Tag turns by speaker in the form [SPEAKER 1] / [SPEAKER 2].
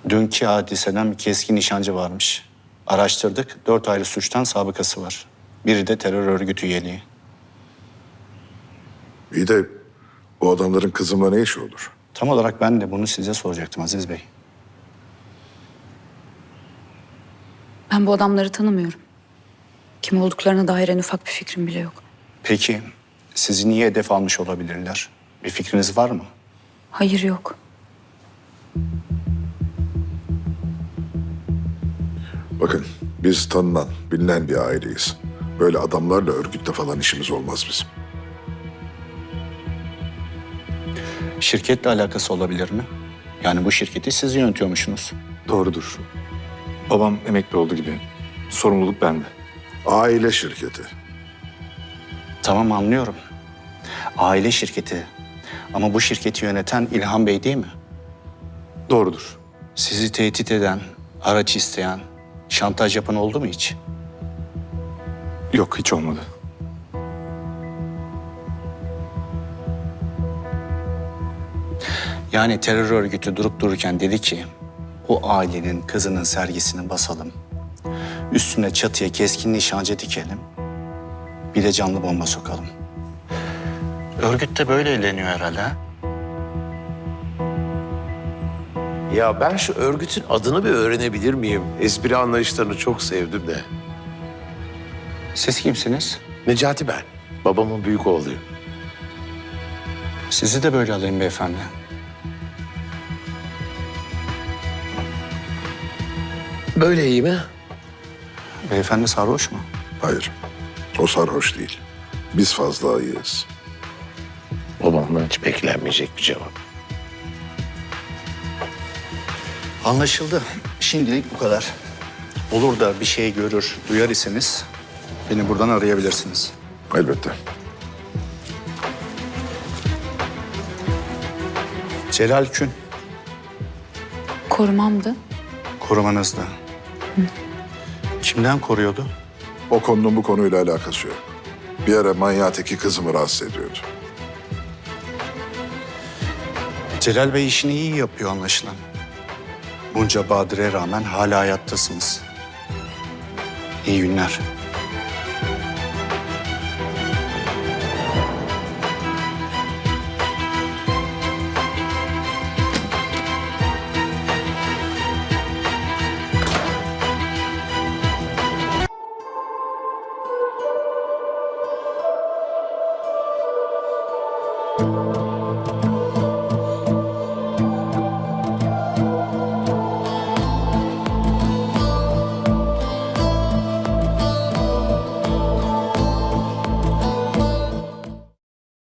[SPEAKER 1] Dünkü hadiseden bir keskin nişancı varmış. Araştırdık, 4 ayrı suçtan sabıkası var. Biri de terör örgütü üyeliği.
[SPEAKER 2] İyi de o adamların kızımla ne işi olur?
[SPEAKER 1] Tam olarak ben de bunu size soracaktım Aziz Bey.
[SPEAKER 3] Ben bu adamları tanımıyorum. Kim olduklarına dair en ufak bir fikrim bile yok.
[SPEAKER 1] Peki sizi niye hedef almış olabilirler? Bir fikriniz var mı?
[SPEAKER 3] Hayır, yok.
[SPEAKER 2] Bakın biz tanınan, bilinen bir aileyiz. Böyle adamlarla örgütle falan işimiz olmaz bizim.
[SPEAKER 1] Şirketle alakası olabilir mi? Yani bu şirketi siz yönetiyormuşsunuz.
[SPEAKER 4] Doğrudur. Babam emekli oldu gibi. Sorumluluk bende.
[SPEAKER 2] Aile şirketi.
[SPEAKER 1] Tamam, anlıyorum. Aile şirketi. Ama bu şirketi yöneten İlhan Bey değil mi?
[SPEAKER 4] Doğrudur.
[SPEAKER 1] Sizi tehdit eden, araç isteyen, şantaj yapan oldu mu hiç?
[SPEAKER 4] Yok, hiç olmadı.
[SPEAKER 1] Yani terör örgütü durup dururken dedi ki, bu ailenin kızının sergisini basalım. Üstüne çatıya keskin nişancı dikelim. Bir de canlı bomba sokalım. Örgüt de böyle eğleniyor herhalde. Ha?
[SPEAKER 5] Ya ben şu örgütün adını bir öğrenebilir miyim? Espri anlayışlarını çok sevdim de.
[SPEAKER 1] Siz kimsiniz?
[SPEAKER 5] Necati ben. Babamın büyük oğluyum.
[SPEAKER 1] Sizi de böyle alayım beyefendi.
[SPEAKER 5] Böyle iyi mi?
[SPEAKER 1] Beyefendi sarhoş mu?
[SPEAKER 2] Hayır, o sarhoş değil. Biz fazla ayıyız.
[SPEAKER 5] Babamdan hiç beklenmeyecek bir cevap.
[SPEAKER 1] Anlaşıldı. Şimdilik bu kadar. Olur da bir şey görür, duyar iseniz beni buradan arayabilirsiniz.
[SPEAKER 2] Elbette.
[SPEAKER 1] Celal Kün,
[SPEAKER 3] Korumamdı.
[SPEAKER 1] korumanızda. Kimden koruyordu?
[SPEAKER 2] O konunun bu konuyla alakası yok. Bir ara manyağı teki kızımı rahatsız ediyordu.
[SPEAKER 1] Celal Bey işini iyi yapıyor anlaşılan. Bunca badire rağmen hala hayattasınız. İyi günler.